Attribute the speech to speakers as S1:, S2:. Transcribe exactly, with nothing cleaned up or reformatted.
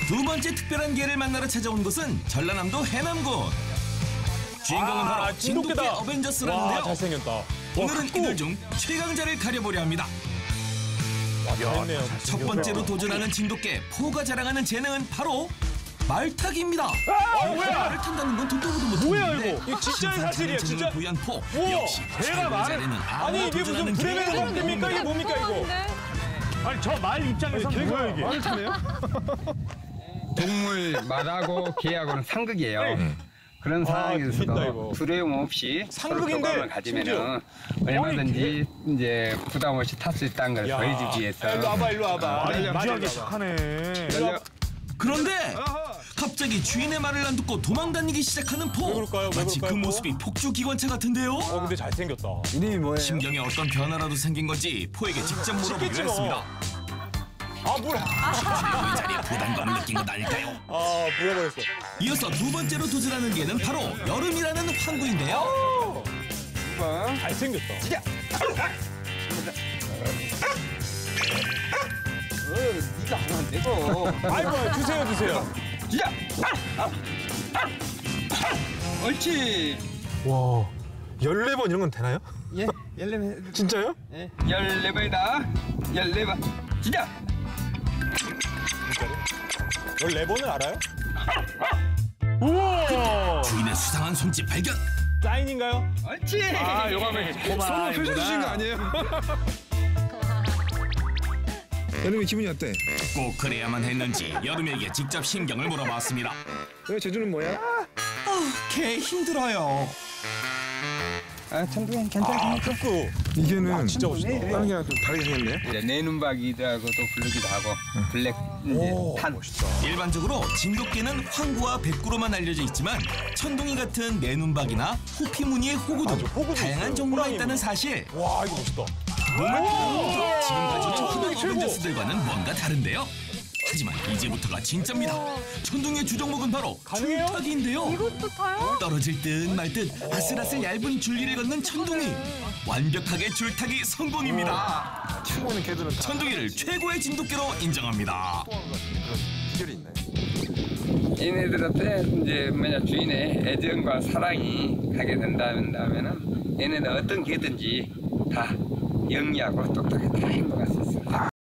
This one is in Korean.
S1: 두 번째 특별한 개를 만나러 찾아온 곳은 전라남도 해남군. 주인공은
S2: 아,
S1: 바로 진돗개
S2: 진돗개다.
S1: 어벤져스라는데요.
S2: 와, 잘생겼다.
S1: 오늘은
S2: 와,
S1: 이들 중 최강자를 가려보려 합니다.
S2: 와, 잘했네요.
S1: 첫 번째로 도전하는 진돗개 포가 자랑하는 재능은 바로 말타기입니다.
S2: 아, 뭐야?
S1: 말을 탄다는 건 듣도 보도
S2: 뭐야,
S1: 못했는데
S2: 이거? 이거 진짜 사실이야, 진짜?
S1: 부연 포
S2: 우와,
S1: 역시
S2: 개가
S1: 최고의
S2: 말.
S1: 자리는
S2: 아니, 이게 무슨 브레멘 관계입니까? 이게 뭡니까, 이거?
S3: 아니 저 말 입장에서는
S2: 개가
S3: 뭐야 이게?
S2: 말을 타네요?
S4: 동물 말하고 개하고는 상극이에요. 그런
S2: 재밌다, 이거.
S4: 상황에서도 두려움 없이
S2: 상극인데,
S4: 서로 교감을 가지면은 얼마든지 이제 부담 없이 탈 수 있다는 걸
S2: 야.
S4: 보여주기 위해서.
S2: 일로 와봐, 일로 와봐.
S3: 말이
S2: 일로 와봐.
S3: 무지하게 착하네.
S1: 그런데 갑자기 주인의 말을 안 듣고 도망다니기 시작하는 포.
S2: 왜 그럴까요? 왜
S1: 마치 그
S2: 그럴까요, 포?
S1: 모습이 폭주 기관차 같은데요.
S2: 어, 근데 잘생겼다.
S5: 이름이 뭐예요?
S1: 심경에 어떤 변화라도 생긴 건지 포에게 직접 물어보기로
S2: 쉽겠지 뭐.
S1: 했습니다.
S2: 아, 뭐야?
S1: 최고의 자리에 부담감을 느낀 것 아닐까요?
S2: 아, 물어버렸어.
S1: 이어서 두 번째로 도전하는 개는 바로 여름이라는 황구인데요.
S2: 잘생겼다.
S4: 어, 네가 하면 되고.
S2: 아이고, 주세요, 주세요.
S4: 야! 옳지.
S5: 와, 열네 번 이런 건 되나요?
S4: 예, 열네
S5: 진짜요?
S4: 열네 번이다. 열네 번. 시작.
S2: 열네 번을 알아요?
S3: 우와.
S1: 주인의 수상한 손짓 발견.
S2: 사인인가요?
S4: 옳지.
S2: 아, 요감에
S5: 손을 펼쳐주신 거 아니에요? 여름이 기분이 어때?
S1: 꼭 그래야만 했는지 여름에게 직접 신경을 물어봤습니다.
S5: 왜 제주는 뭐야?
S1: 아, 개 힘들어요.
S4: 아, 천둥이 괜찮아.
S2: 아, 그
S5: 이게는
S2: 진짜 멋있다.
S5: 다른 개랑 좀 다르게 생겼네.
S4: 이제 내눈박이라고도 부르기도 하고 블랙 이제
S2: 오,
S4: 탄.
S2: 멋있다.
S1: 일반적으로 진돗개는 황구와 백구로만 알려져 있지만 천둥이 같은 내눈박이나 호피무늬의 호구 등
S2: 맞아, 호구도
S1: 다양한
S2: 있어요.
S1: 종류가
S2: 호랑이
S1: 있다는
S2: 뭐.
S1: 사실.
S2: 와, 이거 멋있다.
S1: 몸을 풀어놓고 지금 가지고 있는
S2: 최고.
S1: 어벤져스들과는 뭔가 다른데요. 하지만 이제부터가 진짜입니다. 천둥의 주종목은 바로
S2: 가능해요?
S1: 줄타기인데요.
S6: 이것도 타요?
S1: 떨어질 듯 말 듯 아슬아슬 얇은 줄기를 걷는 천둥이. 완벽하게 줄타기 성공입니다.
S5: 치고 오는 개들은 다
S1: 천둥이를 최고의 진돗개로 인정합니다.
S5: 비결이 있네.
S4: 얘네들한테 이제 뭐냐 주인의 애정과 사랑이 가게 된다면은 얘네는 어떤 개든지 다 영리하고 똑똑하게 다 행동할 수 있습니다.